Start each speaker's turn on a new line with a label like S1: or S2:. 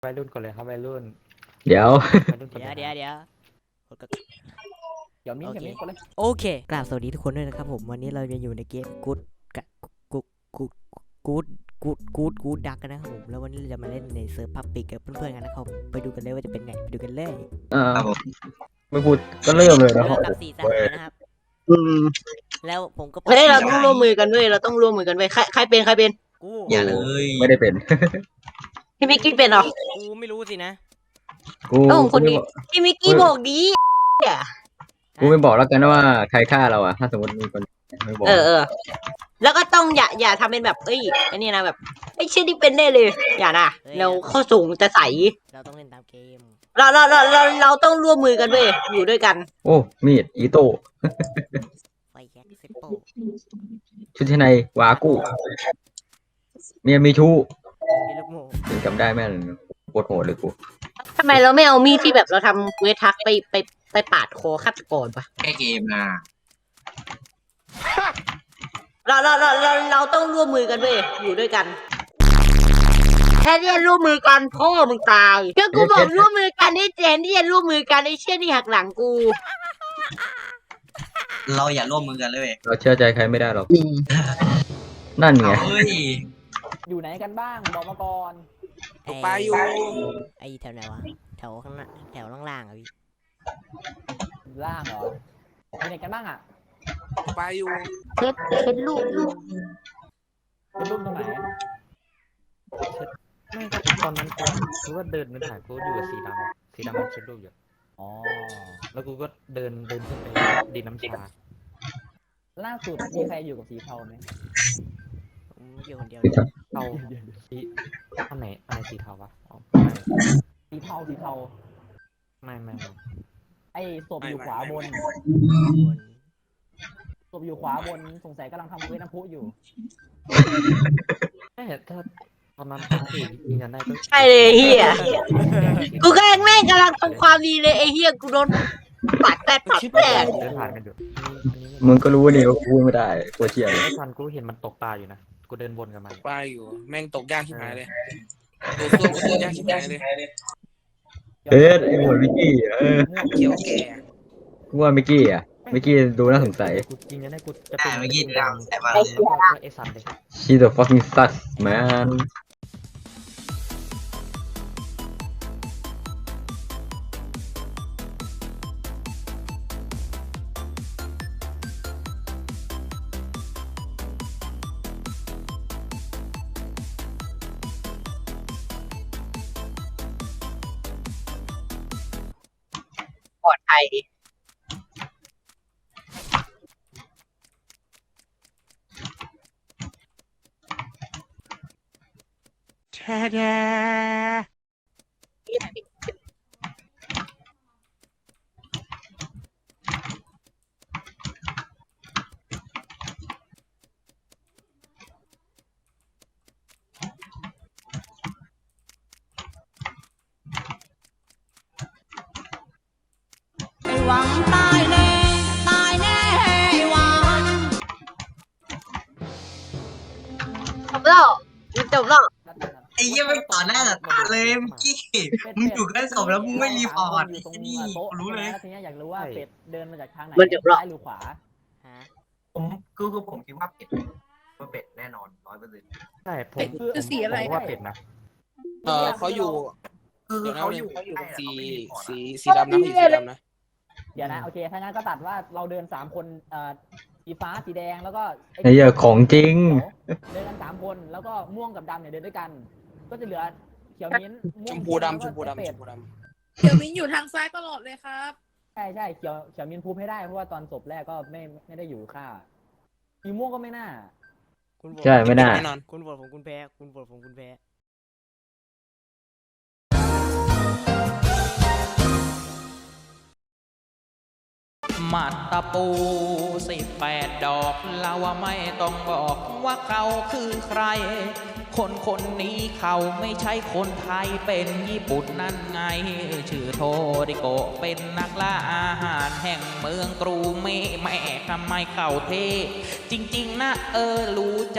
S1: วัยรุ่นก่อนเลยครับวัยรุ่น
S2: เดี๋ยว
S1: วัยรุ่นก่อน
S3: เดี๋ยว
S1: เลย
S3: เดี๋ยว
S1: เดี๋ยวมิ้น
S3: โอ
S1: กับ
S3: เค
S1: มิ้นก่อนเลย
S3: โอเคกราบสวัสดีทุกคนด้วยนะครับผมวันนี้เราจะอยู่ในเกมกู๊ดกู๊ดกู๊ดดักกันนะครับผมแล้ววันนี้เราจะมาเล่นในเซิร์ฟพับปิกกับเพื่อนๆกันนะครับไปดูกันเลยว่าจะเป็นไงไปดูกันเลย
S2: ไม่พูดก็เริ่มเลยนะ
S3: เริ่มกับ4สหายนะครับ
S4: อืม
S3: แล้วผมก็
S4: เฮ้ยเราต้องร่วมมือกันด้วยเราต้องร่วมมือกันด้วยใครเป็น
S3: กู
S4: อย่าเลย
S2: ไม่ได้เป็น
S4: พี่มิกกี้เป็นเหรอ
S3: กูไม่รู้สินะ
S2: กู
S4: เอ้าคนนี้ พี่มิกกี้บอกดี
S2: กูไม่บอกแล้วกันว่าใครฆ่าเราอ่ะถ้าสมมติมีคนไม่บอก
S4: เออ แล้วก็ต้องอย่าทำเป็นแบบไอ้นี่นะแบบไอ้เช่นที่เป็นแน่เลย อย่านะเราเข้าสูงจะใส
S3: เราต้องเล่นตามเกม
S4: เราต้องร่วมมือกันด้วยอยู่ด้วยกัน
S2: โอ้มีดอีโต้
S3: ไฟแค็กเซปโป
S2: ชุดชั้นในวากู้เมียมีชู้
S3: มีลูกโม่
S2: ยังจำได้แม่นโคตรโหดเลยกู
S4: ทำไมเราไม่เอามีดที่แบบเราทำเวทักไปปาดคอฆาตกรปะ
S5: แก้เกมนะ
S4: เราต้องร่วมมือกันด้วยอยู่ด้วยกันแค่ที่จะร่วมมือกันพ่อมึงตายก็กูบอกร่วมมือกันไอ้เจนที่จะร่วมมือกันไอ้เชี่ยนี่หักหลังกู
S5: เราอย่าร่วมมือกันเลยเว้ย
S2: เราเชื่อใจใครไม่ได้หรอกนั่นไง
S5: เฮ้ย
S1: อยู่ไหนกันบ้างบอกมาก่อน
S3: ตกปลาอยู่ไอแถวไหนวะแถวข้างหน้าแถวล่างๆอ่ะพี่
S1: ล่างเหรออยู่ไหนกันบ้างอ่ะ
S6: ไปอยู่
S4: เช็ดลูกอยู่
S1: เป็นรูปตรงไหนไม่ก็ตอนนั้นกูก็เดินไปถ่ายกูอยู่กับสีดำมันเช็ดรูปอยู่อ๋อแล้วกูก็เดินขึ้นไปดินน้ำชาล่าสุดมีใครอยู่กับสีเทาไหม
S3: ผมอยู่คนเดียว
S1: เทาสีอันไหนสีเทาวะอ๋อสีเทาไม่ไอ้ศพอยู่ขวาบน ศพอยู่ขวาบนสงสัยกำลังทำเวทน้ำพุอยู่ไม่ถ้าตอนนั้นที่ยืนยันได้ก็
S4: ใช่เลยเฮียกูก็แม่งกำลังทำความดีเลยไอ้เฮียกูโดนปัดแปด
S1: เดินผ่านกันอยู่
S2: มึงก็รู้นี่ว่ากูไม่ได้กูเชื่อเลย
S1: ไอ้ทันกูเห็นมันตกปลาอยู่นะกูเดินวนกับมัน
S6: ไปอยู่ แม่งตกยากชิบหายเลยตัวส้วมก็ตกยากชิบหายเลย
S2: เอ๊ะไอ้หมวดมิกกี้
S6: เขียวแก่
S2: กูว่ามิกกี้มิกกี้ดูน่าสงสัย
S1: กูจริงนะกูจะ
S5: อ่า
S1: เป็น
S5: เมื่อกี้ดำแต่ว่า
S1: แล้วก็ไอ้สันเลย
S2: She's the fucking sus man
S4: ปลอดภัย
S7: หวังตายแน่หวัง
S4: จบแล้วมันจบแล้ว
S5: ไอ้เหี้ยไม่ต่อหน้าต่อตาเลยเมื่อกี้มึงอยู่ใกล้ศพแล้วมึงไม่รีพอร์ต
S1: อยู่ตรง
S5: ไอ้นี่
S1: โต๊ะ
S5: กูรู้เลย
S1: ทีนี้อยากรู้ว่าเป็ดเดินมาจากทางไหน
S4: มันจบแล้ว
S1: ซ้ายหรือขวา
S3: ฮะ
S5: ผมผมคิดว่าเป็ดแน่นอน100%
S1: ใช่ผม
S7: คือสีอะไร
S1: ผมว่าเป็ดนะ
S6: เขาอยู่
S5: คือ
S6: เดี๋ยวนะ
S5: เขาอยู่
S6: เขาอยู่กับสี
S5: ใกล้อะ
S6: สีดำนะสีดำนะ
S1: เดี๋ยวนะโอเคถ้างั้นก็ตัดว่าเราเดิน3คนสีฟ้าสีแดงแล้วก็
S2: ไอ้เหี้ยของจริง
S1: เดินกัน3คนแล้วก็ม่วงกับดำเนี่ยเดินด้วยกัน ก็จะเหลือเขียวมิ้นท์
S6: ช
S1: ม่วง
S6: มพูดำช
S1: แล้ว
S6: ม
S1: ก็
S6: พูดำ
S1: เป็
S6: ช
S1: ด
S6: มพูดำ
S7: เดี๋ยวมิ้นอยู่ทางซ้ายตลอดเลยครับ
S1: ใช่เขียวมิ้นท์พูดให้ได้เพราะว่าตอนศพแรกก็ไม่ได้อยู่ค่าสีม่วงก็ไม่น่า
S3: คุณโหวต
S2: ใช่ไม่น่า
S6: แน่นอน
S3: คุณโหวตผมคุณแพ้คุณโหวตผมคุณแพ้
S8: หมัดตะปู18 ดอกเราว่าไม่ต้องบอกว่าเขาคือใคร คนนี้เขาไม่ใช่คนไทยเป็นญี่ปุ่นนั่นไง ชื่อโทริโกะเป็นนักล่าอาหารแห่งเมืองกรูเมแม่ทำไมเขาเท จริงๆนะรู้